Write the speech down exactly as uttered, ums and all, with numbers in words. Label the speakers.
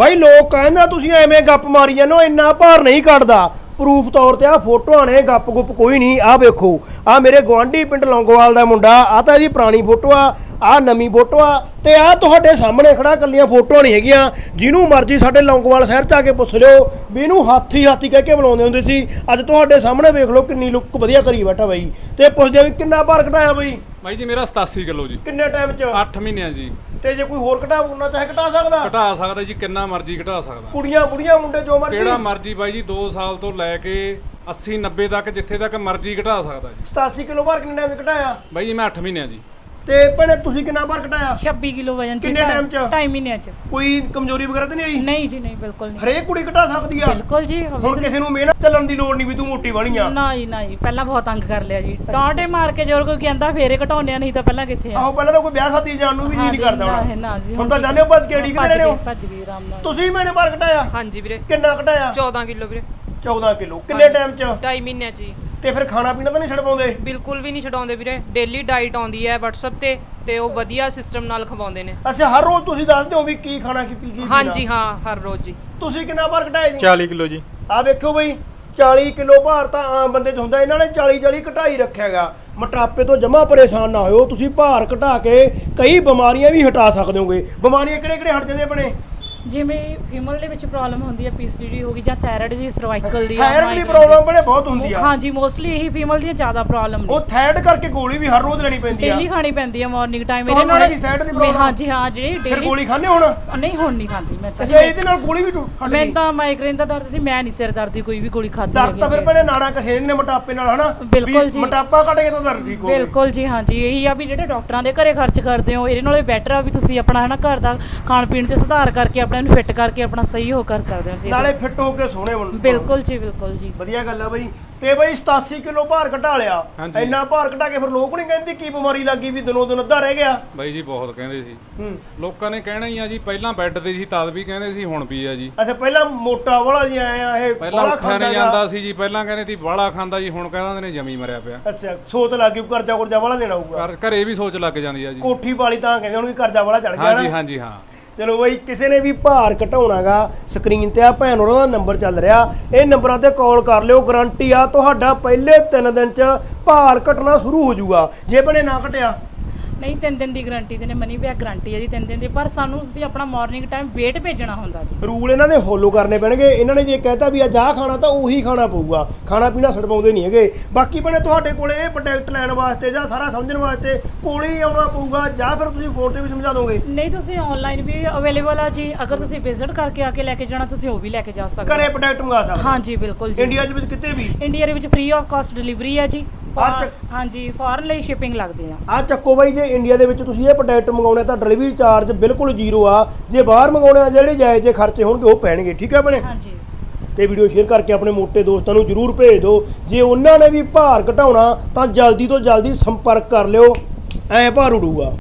Speaker 1: ਬਾਈ ਲੋਕ ਕਹਿੰਦਾ ਤੁਸੀਂ ਐਵੇਂ ਗੱਪ ਮਾਰੀ ਜਾਂਦੇ ਹੋ, ਇੰਨਾ ਭਾਰ ਨਹੀਂ ਕੱਢਦਾ। ਪ੍ਰੂਫ ਤੌਰ ਤੇ ਆ ਫੋਟੋਆਂ ਨੇ, ਗੱਪ ਗੁੱਪ ਕੋਈ ਨਹੀਂ। ਆ ਵੇਖੋ, ਆ ਮੇਰੇ ਗੁਆਂਢੀ ਪਿੰਡ ਲੌਂਗੋਵਾਲ ਦਾ ਮੁੰਡਾ, ਆ ਤਾਂ ਇਹਦੀ ਪੁਰਾਣੀ ਫੋਟੋ ਆ, ਆ ਨਵੀਂ ਫੋਟੋ ਆ, ਤੇ ਆ ਤੁਹਾਡੇ ਸਾਹਮਣੇ ਖੜਾ ਕੱਲੀਆਂ ਫੋਟੋਆਂ ਨਹੀਂ ਹੈਗੀਆਂ। ਜਿਹਨੂੰ ਮਰਜ਼ੀ ਸਾਡੇ ਲੌਂਗੋਵਾਲ ਸ਼ਹਿਰ 'ਚ ਆ ਕੇ ਪੁੱਛ ਲਿਓ ਵੀ ਇਹਨੂੰ ਹਾਥੀ ਹਾਥੀ ਕਹਿ ਕੇ ਬੁਲਾਉਂਦੇ ਹੁੰਦੇ ਸੀ। ਅੱਜ ਤੁਹਾਡੇ ਸਾਹਮਣੇ ਵੇਖ ਲਓ ਕਿੰਨੀ ਲੁੱਕ ਵਧੀਆ ਕਰੀ ਬੈਠਾ ਬਾਈ। ਤੇ ਪੁੱਛਦੇ ਵੀ ਕਿੰਨਾ ਭਾਰ ਘਟਾਇਆ ਬਾਈ?
Speaker 2: ਬਾਈ ਜੀ ਮੇਰਾ ਸਤਾਸੀ ਕਿਲੋ ਜੀ।
Speaker 1: ਕਿੰਨੇ ਟਾਈਮ 'ਚ?
Speaker 2: ਅੱਠ ਮਹੀਨਿਆਂ ਜੀ।
Speaker 1: ਤੇ ਜੇ ਕੋਈ ਹੋਰ ਘਟਾਉਣਾ ਚਾਹੇ ਘਟਾ ਸਕਦਾ?
Speaker 2: ਘਟਾ ਸਕਦਾ ਜੀ, ਕਿੰਨਾ ਮਰਜ਼ੀ ਘਟਾ ਸਕਦਾ।
Speaker 1: ਕੁੜੀਆਂ ਬੁੜੀਆਂ ਮੁੰਡੇ ਜੋ ਮਰਜ਼ੀ?
Speaker 2: ਕਿਹੜਾ ਮਰਜ਼ੀ ਬਾਈ ਜੀ, ਦੋ ਸਾਲ ਤੋਂ ਲੈ ਕੇ ਅੱਸੀ ਨੱਬੇ ਤੱਕ ਜਿੱਥੇ ਤੱਕ ਮਰਜ਼ੀ ਘਟਾ ਸਕਦਾ ਜੀ।
Speaker 1: ਸਤਾਸੀ ਕਿਲੋ ਭਾਰ ਕਿੰਨੇ ਟਾਈਮ 'ਚ ਘਟਾਇਆ
Speaker 2: ਬਾਈ ਜੀ? ਮੈਂ ਅੱਠ ਮਹੀਨਿਆਂ ਜੀ।
Speaker 1: ਤੇ ਭੈਣੇ ਤੁਸੀਂ ਕਿੰਨਾ ਭਾਰ ਘਟਾਇਆ?
Speaker 3: ਛੱਬੀ ਕਿਲੋ ਵਜਨ ਚ।
Speaker 1: ਕਿੰਨੇ ਟਾਈਮ 'ਚ?
Speaker 3: ਢਾਈ ਮਹੀਨਿਆਂ ਚ।
Speaker 1: ਕੋਈ ਕਮਜ਼ੋਰੀ ਵਗੈਰਾ ਤਾਂ ਨਹੀਂ ਆਈ?
Speaker 3: ਨਹੀਂ ਜੀ ਨਹੀਂ, ਬਿਲਕੁਲ ਨਹੀਂ।
Speaker 1: ਹਰੇਕ ਕੁੜੀ ਘਟਾ ਸਕਦੀ ਆ?
Speaker 3: ਬਿਲਕੁਲ ਜੀ।
Speaker 1: ਹੁਣ ਕਿਸੇ ਨੂੰ ਮਿਹਨਤ ਚੱਲਣ ਦੀ ਲੋੜ ਨਹੀਂ ਵੀ ਤੂੰ ਮੋਟੀ ਬਣੀ ਆ।
Speaker 3: ਨਾ ਜੀ ਨਾ ਜੀ, ਪਹਿਲਾਂ ਬਹੁਤ ਤੰਗ ਕਰ ਲਿਆ ਜੀ। ਡਾਂਟੇ ਮਾਰ ਕੇ ਜੋਰ ਕੋਈ ਕਹਿੰਦਾ ਫੇਰੇ ਘਟਾਉਣੇ ਨਹੀਂ ਤਾਂ ਪਹਿਲਾਂ ਕਿੱਥੇ ਆ।
Speaker 1: ਆਹੋ ਪਹਿਲਾਂ ਤਾਂ ਕੋਈ ਵਿਆਹ ਸ਼ਾਦੀ ਜਾਣ ਨੂੰ ਵੀ ਜੀ ਨਹੀਂ ਕਰਦਾ ਹੁਣ।
Speaker 3: ਨਾ ਜੀ,
Speaker 1: ਹੁਣ ਤਾਂ ਜਾਣੇ ਹੋ ਭੱਜ ਕੇ ਢੀਕ ਰਹੇ ਹੋ।
Speaker 3: ਭੱਜ ਗਈ ਆਰਾਮ ਨਾਲ।
Speaker 1: ਤੁਸੀਂ ਮੈਨੇ ਭਾਰ ਘਟਾਇਆ?
Speaker 4: ਹਾਂਜੀ ਵੀਰੇ।
Speaker 1: ਕਿੰਨਾ ਘਟਾਇਆ?
Speaker 4: ਚੌਦਾਂ ਕਿਲੋ ਵੀਰੇ।
Speaker 1: ਚੌਦਾਂ ਕਿਲੋ ਕਿੰਨੇ ਟਾਈਮ 'ਚ?
Speaker 4: ਢਾਈ ਮਹੀਨਿਆਂ 'ਚ ਜੀ।
Speaker 1: ਤੇ ਫਿਰ ਖਾਣਾ ਪੀਣਾ ਤਾਂ ਨਹੀਂ ਛੱਡ ਪਾਉਂਦੇ?
Speaker 4: ਬਿਲਕੁਲ ਵੀ ਨਹੀਂ ਛਡਾਉਂਦੇ ਵੀਰੇ। ਡੇਲੀ ਡਾਈਟ ਆਉਂਦੀ ਹੈ WhatsApp ਤੇ ਤੇ ਉਹ ਵਧੀਆ ਸਿਸਟਮ ਨਾਲ ਖਵਾਉਂਦੇ ਨੇ।
Speaker 1: ਅੱਛਾ, ਹਰ ਰੋਜ਼ ਤੁਸੀਂ ਦੱਸਦੇ ਹੋ ਵੀ ਕੀ ਖਾਣਾ ਕੀ ਪੀ ਕੀ?
Speaker 4: ਹਾਂਜੀ ਹਾਂ, ਹਰ ਰੋਜ਼ ਜੀ।
Speaker 1: ਤੁਸੀਂ ਕਿੰਨਾ ਭਾਰ ਘਟਾਇਆ ਜੀ?
Speaker 5: ਚਾਲੀ ਕਿਲੋ ਜੀ।
Speaker 1: ਆ ਵੇਖੋ ਬਈ, ਚਾਲੀ ਕਿਲੋ ਭਾਰ ਤਾਂ ਆਮ ਬੰਦੇ 'ਚ ਹੁੰਦਾ, ਇਹਨਾਂ ਨੇ ਚਾਲੀ ਚਾਲੀ ਘਟਾਈ ਰੱਖਿਆਗਾ। ਮੋਟਾਪੇ ਤੋਂ ਜਮਾ ਪਰੇਸ਼ਾਨ ਨਾ ਹੋਇਓ, ਤੁਸੀਂ ਭਾਰ ਘਟਾ ਕੇ ਕਈ ਬਿਮਾਰੀਆਂ ਵੀ ਹਟਾ ਸਕਦੇ ਹੋਗੇ। ਬਿਮਾਰੀਆਂ ਕਿਹੜੇ ਕਿਹੜੇ ਹਟ ਜਾਂਦੇ ਆਪਣੇ?
Speaker 3: ਜਿਵੇਂ ਫੀਮੇਲ ਦੇ ਵਿੱਚ ਪ੍ਰੋਬਲਮ ਹੁੰਦੀ ਹੈ, ਪੀਸੀਡੀ ਹੋ ਗਈ ਜਾਂ ਥਾਇਰਾਇਡ ਜੀ, ਸਰਵਾਈਕਲ ਦੀ,
Speaker 1: ਥਾਇਰਾਇਡ ਦੀ ਪ੍ਰੋਬਲਮ ਬਣੇ ਬਹੁਤ ਹੁੰਦੀ ਆ।
Speaker 3: ਹਾਂਜੀ, ਮੋਸਟਲੀ ਇਹੀ ਫੀਮੇਲ ਦੀਆਂ ਜ਼ਿਆਦਾ ਪ੍ਰੋਬਲਮ ਨੇ।
Speaker 1: ਉਹ ਥਾਇਰਾਇਡ ਕਰਕੇ ਗੋਲੀ ਵੀ ਹਰ ਰੋਜ਼ ਲੈਣੀ ਪੈਂਦੀ ਆ।
Speaker 3: ਡੇਲੀ ਖਾਣੀ ਪੈਂਦੀ ਹੈ ਮਾਰਨਿੰਗ ਟਾਈਮ।
Speaker 1: ਇਹਦੇ ਨਾਲ ਵੀ ਥਾਇਰਾਇਡ ਦੀ ਪ੍ਰੋਬਲਮ?
Speaker 3: ਹਾਂਜੀ ਹਾਂ, ਜਿਹੜੀ
Speaker 1: ਫਿਰ
Speaker 3: ਡੇਲੀ
Speaker 1: ਗੋਲੀ ਖਾਣੇ ਹੁਣ?
Speaker 3: ਨਹੀਂ, ਹੁਣ ਨਹੀਂ ਖਾਂਦੀ ਮੈਂ ਤਾਂ।
Speaker 1: ਅੱਛਾ, ਇਹਦੇ ਨਾਲ ਗੋਲੀ ਵੀ ਹਟ
Speaker 3: ਮੈਂ
Speaker 1: ਗਈ?
Speaker 3: ਤਾਂ ਮਾਈਗ੍ਰੇਨ ਦਾ ਦਰਦ ਸੀ, ਮੈਂ ਨਹੀਂ ਸਿਰ ਦਰਦ ਦੀ ਕੋਈ ਵੀ ਗੋਲੀ ਖਾਧੀ
Speaker 1: ਦਰਦ ਤਾਂ ਫਿਰ ਪਹਿਲੇ ਨਾੜਾ ਕਸੇ ਨੇ ਮੋਟਾਪੇ ਨਾਲ, ਹਨਾ?
Speaker 3: ਬਿਲਕੁਲ ਜੀ।
Speaker 1: ਮੋਟਾਪਾ ਘਟ ਗਿਆ ਤਾਂ ਦਰਦ ਠੀਕ ਹੋ ਗਿਆ।
Speaker 3: ਬਿਲਕੁਲ ਜੀ ਹਾਂਜੀ। ਇਹੀ ਆ ਵੀ ਜਿਹੜੇ ਡਾਕਟਰਾਂ ਦੇ ਘਰੇ ਖਰਚ ਕਰਦੇ ਹੋ, ਇਹਦੇ ਨਾਲੋਂ ਬੈਟਰ ਆ ਵੀ ਤੁਸੀਂ ਆਪਣਾ ਹਨਾ ਘਰ ਦਾ ਖਾਣ ਪੀਣ 'ਚ ਸੁਧਾਰ ਕਰਕੇ ਆਪਣੇ ਨੂੰ ਫਿੱਟ ਕਰਕੇ ਆਪਣਾ ਸਹੀ ਹੋ ਕਰ ਸਕਦੇ ਹੋ।
Speaker 1: ਨਾਲੇ ਫਿੱਟ ਹੋ ਕੇ ਸੋਹਣੇ ਬਣ।
Speaker 3: ਬਿਲਕੁਲ ਜੀ, ਬਿਲਕੁਲ ਜੀ।
Speaker 1: ਵਧੀਆ ਗੱਲ ਆ ਬਈ। ਤੇ ਬਈ ਸਤਾਸੀ ਕਿਲੋ ਭਾਰ ਘਟਾ ਲਿਆ,
Speaker 2: ਹਾਂਜੀ।
Speaker 1: ਇੰਨਾ ਭਾਰ ਘਟਾ ਕੇ ਫਿਰ ਲੋਕ ਨਹੀਂ ਕਹਿੰਦੇ ਕੀ ਬਿਮਾਰੀ ਲੱਗੀ ਵੀ ਦਿਨੋਂ ਦਿਨ ਅੱਧਾ ਰਹਿ ਗਿਆ?
Speaker 2: ਬਾਈ ਜੀ ਬਹੁਤ ਕਹਿੰਦੇ ਸੀ।
Speaker 1: ਹੂੰ।
Speaker 2: ਲੋਕਾਂ ਨੇ ਕਹਿਣਾ ਹੀ ਆ ਜੀ, ਪਹਿਲਾਂ ਬੈੱਡ ਤੇ ਸੀ ਤਦ ਵੀ ਕਹਿੰਦੇ ਸੀ, ਹੁਣ ਵੀ ਆ ਜੀ।
Speaker 1: ਅੱਛਾ, ਪਹਿਲਾਂ ਮੋਟਾ ਵਾਲਾ ਜੀ ਆਇਆ ਇਹ
Speaker 2: ਪਹਿਲਾਂ
Speaker 1: ਬਾਹਲਾ
Speaker 2: ਉੱਠਿਆ ਨਹੀਂ
Speaker 1: ਖਾਂਦਾ
Speaker 2: ਜਾਂਦਾ ਸੀ ਜੀ, ਪਹਿਲਾਂ ਕਹਿੰਦੇ ਸੀ ਬਾਹਲਾ ਖਾਂਦਾ ਜੀ, ਹੁਣ ਕਹਿੰਦੇ ਨੇ ਜਮੀ ਮਰਿਆ ਪਿਆ।
Speaker 1: ਅੱਛਾ, ਸੋਚ ਲੱਗ ਗਈ ਕਰਜ਼ਾ ਕੁਰਜ਼ਾ ਵਾਲਾ ਦੇਣਾ ਹੋਊਗਾ।
Speaker 2: ਘਰ ਘਰੇ ਵੀ ਸੋਚ ਲੱਗ ਜਾਂਦੀ ਆ ਜੀ।
Speaker 1: ਕੋਠੀ ਵਾਲੀ ਤਾਂ ਕਹਿੰਦੇ ਹੁਣ ਵੀ ਕਰਜ਼ਾ ਵਾਲਾ ਚੜ ਗਿਆ
Speaker 2: ਹਾਂਜੀ
Speaker 1: ਨਾ।
Speaker 2: ਹਾਂਜੀ ਹਾਂ।
Speaker 1: ਚਲੋ ਬਈ, ਕਿਸੇ ਨੇ ਵੀ ਭਾਰ ਘਟਾਉਣਾਗਾ, ਸਕਰੀਨ ਤੇ ਆ ਭੈਣ ਉਹਨਾਂ ਦਾ ਨੰਬਰ ਚੱਲ ਰਿਹਾ, ਇਹ ਨੰਬਰਾਂ ਤੇ ਕਾਲ ਕਰ ਲਿਓ। ਗਾਰੰਟੀ ਆ ਤੁਹਾਡਾ ਪਹਿਲੇ ਤਿੰਨ ਦਿਨ 'ਚ ਭਾਰ ਘਟਣਾ ਸ਼ੁਰੂ ਹੋ ਜਾਊਗਾ। ਜੇ ਭੈਣੇ ਨਾ ਘਟਿਆ?
Speaker 3: ਨਹੀਂ, ਤਿੰਨ ਦਿਨ ਦੀ ਗਾਰੰਟੀ ਤੇ ਨੇ, ਮਨੀ ਬੈਕ ਗਾਰੰਟੀ ਹੈ ਜੀ ਤਿੰਨ ਦਿਨ ਦੀ। ਪਰ ਸਾਨੂੰ ਤੁਸੀਂ ਆਪਣਾ ਮਾਰਨਿੰਗ ਟਾਈਮ ਵੇਟ ਭੇਜਣਾ ਹੁੰਦਾ ਜੀ।
Speaker 1: ਰੂਲ ਇਹਨਾਂ ਦੇ ਫੋਲੋ ਕਰਨੇ ਪੈਣਗੇ। ਇਹਨਾਂ ਨੇ ਜੇ ਕਹਿਤਾ ਵੀ ਅੱਜ ਆਹ ਖਾਣਾ ਤਾਂ ਉਹੀ ਖਾਣਾ ਪਊਗਾ, ਖਾਣਾ ਪੀਣਾ ਛਡਵਾਉਂਦੇ ਨਹੀਂ ਹੈਗੇ। ਬਾਕੀ ਭੈਣੇ ਤੁਹਾਡੇ ਕੋਲੇ ਇਹ ਪ੍ਰੋਡਕਟ ਲੈਣ ਵਾਸਤੇ ਜਾਂ ਸਾਰਾ ਸਮਝਣ ਵਾਸਤੇ ਕੋਲੇ ਹੀ ਆਉਣਾ ਪਊਗਾ ਜਾਂ ਫਿਰ ਤੁਸੀਂ ਫੋਨ ਤੇ ਵੀ ਸਮਝਾ ਦੋਗੇ?
Speaker 3: ਨਹੀਂ, ਤੁਸੀਂ ਆਨਲਾਈਨ ਵੀ ਅਵੇਲੇਬਲ ਆ ਜੀ। ਅਗਰ ਤੁਸੀਂ ਵਿਜ਼ਿਟ ਕਰਕੇ ਆ ਕੇ ਲੈ ਕੇ ਜਾਣਾ, ਤੁਸੀਂ ਉਹ ਵੀ ਲੈ ਕੇ ਜਾ ਸਕਦੇ
Speaker 1: ਘਰੇ ਪ੍ਰੋਡਕਟ ਮੰਗਾ ਸਕਦੇ?
Speaker 3: ਹਾਂਜੀ ਬਿਲਕੁਲ ਜੀ।
Speaker 1: ਇੰਡੀਆ 'ਚ ਵਿੱਚ ਕਿਤੇ ਵੀ?
Speaker 3: ਇੰਡੀਆ ਦੇ ਵਿੱਚ ਫ੍ਰੀ ਆਫ ਕਾਸਟ ਡਿਲੀਵਰੀ ਹੈ ਜੀ। ਹਾਂਜੀ, ਫੋਰਨ ਲਈ ਸ਼ਿਪਿੰਗ ਲੱਗਦੇ ਆ।
Speaker 1: ਆ ਚੱਕੋ ਬਾਈ, ਜੇ ਇੰਡੀਆ ਦੇ ਵਿੱਚ ਤੁਸੀਂ ਇਹ ਪ੍ਰੋਡਕਟ ਮੰਗਾਉਣੇ ਤਾਂ ਡਿਲੀਵਰੀ ਚਾਰਜ ਬਿਲਕੁਲ ਜ਼ੀਰੋ ਆ। ਜੇ ਬਾਹਰ ਮੰਗਾਉਣੇ ਆ ਜਿਹੜੇ ਜਾਇਜ਼ ਜੇ ਖਰਚੇ ਹੋਣਗੇ ਉਹ ਪੈਣਗੇ। ਠੀਕ ਹੈ ਭੈਣੇ?
Speaker 3: ਹਾਂਜੀ।
Speaker 1: ਤੇ ਵੀਡੀਓ ਸ਼ੇਅਰ ਕਰਕੇ ਆਪਣੇ ਮੋਟੇ ਦੋਸਤਾਂ ਨੂੰ ਜ਼ਰੂਰ ਭੇਜ ਦਿਓ। ਜੇ ਉਹਨਾਂ ਨੇ ਵੀ ਭਾਰ ਘਟਾਉਣਾ ਤਾਂ ਜਲਦੀ ਤੋਂ ਜਲਦੀ ਸੰਪਰਕ ਕਰ ਲਿਓ, ਐ ਭਾਰ ਉਡੂਗਾ।